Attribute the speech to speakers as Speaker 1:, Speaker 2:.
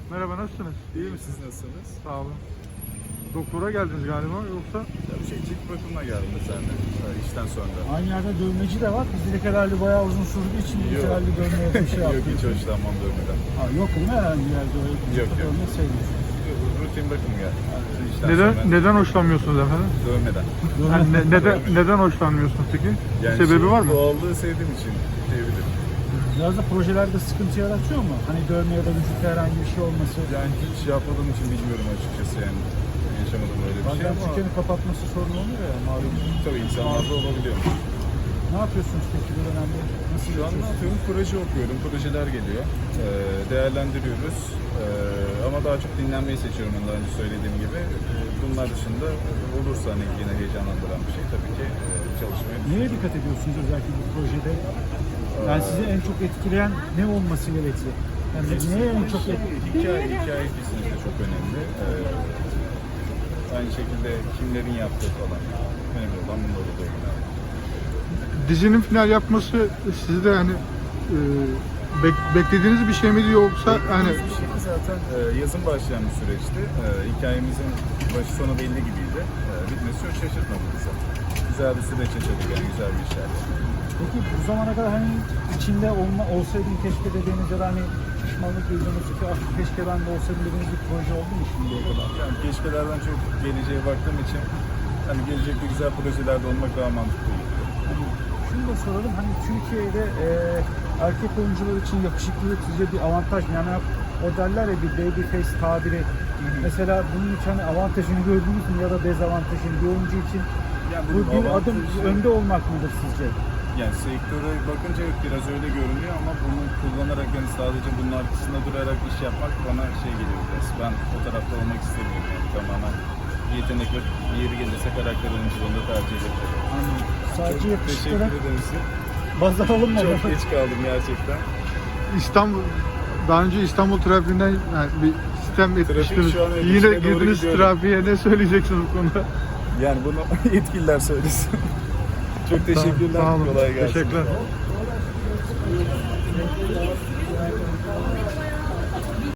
Speaker 1: Merhaba, nasılsınız?
Speaker 2: İyi misiniz, nasılsınız?
Speaker 1: Sağ olun. Doktora geldiniz galiba, yoksa?
Speaker 2: Ya bir şey cilt bakımına geldim seninle işten sonra.
Speaker 3: Aynı yerde dövmeci de var. Bizde herhalde bayağı uzun sürdüğü için biz herhalde dövmeye bir şey
Speaker 2: Yok,
Speaker 3: yaptık.
Speaker 2: hiç hoşlanmam dövmeden.
Speaker 3: Ha, yok değil mi herhangi bir yerde öyle
Speaker 2: Yok.
Speaker 3: dövme sevmiyorsun?
Speaker 2: Rutin bakım geldi. İşten
Speaker 1: Neden
Speaker 2: sonra
Speaker 1: neden hoşlanmıyorsunuz efendim?
Speaker 2: Dövmeden.
Speaker 1: Yani neden hoşlanmıyorsunuz peki?
Speaker 2: Yani
Speaker 1: Sebebi var mı?
Speaker 2: Doğallığı sevdiğim için diyebilirim.
Speaker 3: Biraz da projelerde sıkıntı yaratıyor mu? Hani dövme ya da vücutta herhangi bir şey olması.
Speaker 2: Yani hiç yapmadığım için bilmiyorum açıkçası yani. Yaşamadım öyle bir şey
Speaker 3: Bazen
Speaker 2: ama
Speaker 3: dükkanı kapatması sorun oluyor ya malum.
Speaker 2: tabii insanlarda olabiliyor.
Speaker 3: Ne yapıyorsunuz peki bu dönemde? Nasıl
Speaker 2: Şu an ne yapıyorum? Proje okuyorum. Projeler geliyor. Değerlendiriyoruz. Ama daha çok dinlenmeyi seçiyorum daha önce söylediğim gibi. Bunlar dışında olursa hani yine heyecanlandıran bir şey tabii ki çalışmaya
Speaker 3: Neye dikkat ediyorsunuz özellikle bu projede? Yani sizi en çok etkileyen ne olması gerekli? Yani neye en çok
Speaker 2: hikaye kesinlikle çok önemli. Aynı şekilde kimlerin yaptığı falan. Önemli olan bunlar oluyor.
Speaker 1: Dizinin final yapması sizde yani beklediğiniz bir şey miydi, yoksa hani
Speaker 2: Bir şey zaten yazın başlayan bir süreçti. Hikayemizin başı sonu belli gibiydi. Bitmesi çok şaşırtmadı bizi. Güzel bir süreç yaşadık yani, güzel bir işler.
Speaker 3: Peki bu zamana kadar hani içinde olsaydım keşke dediğiniz ya da hani pişmanlık duyduğunuz ki ah keşke ben de olsaydım dediğiniz bir proje oldu mu şimdiye kadar?
Speaker 2: Yani keşkelerden çok geleceğe baktığım için hani gelecekte güzel projelerde olmak daha mantıklı geliyor.
Speaker 3: Hani şunu da soralım, hani Türkiye'de erkek oyuncular için yakışıklılık sizce bir avantaj mı? Yani o derler ya bir baby face tabiri. Mesela bunun için hani avantajını gördünüz mü ya da dezavantajını bir oyuncu için
Speaker 2: Yani
Speaker 3: bu bir
Speaker 2: avantajı-
Speaker 3: adım önde olmak mıdır sizce?
Speaker 2: Yani sektöre bakınca evet biraz öyle görünüyor ama bunu kullanarak yani sadece bunun arkasında durarak iş yapmak bana şey geliyor biraz. Ben o tarafta olmak istemiyorum yani, tamamen yetenek ve yeri gelirse karakter oyunculuğunda tercih ederim.
Speaker 3: Hani sadece
Speaker 2: Çok
Speaker 3: yakışıklara
Speaker 2: teşekkür ederim size.
Speaker 3: baz alınmadı.
Speaker 2: Çok geç kaldım gerçekten.
Speaker 1: İstanbul, daha önce İstanbul trafiğinden yani bir sistem etmiştiniz.
Speaker 2: şu an evet,
Speaker 1: Yine
Speaker 2: içine doğru
Speaker 1: girdiniz
Speaker 2: gidiyorum.
Speaker 1: trafiğe, ne söyleyeceksiniz bu konuda?
Speaker 2: Yani bunu yetkililer söylesin. Çok teşekkürler.
Speaker 1: Sağ olun.
Speaker 2: Kolay gelsin.
Speaker 1: Teşekkürler.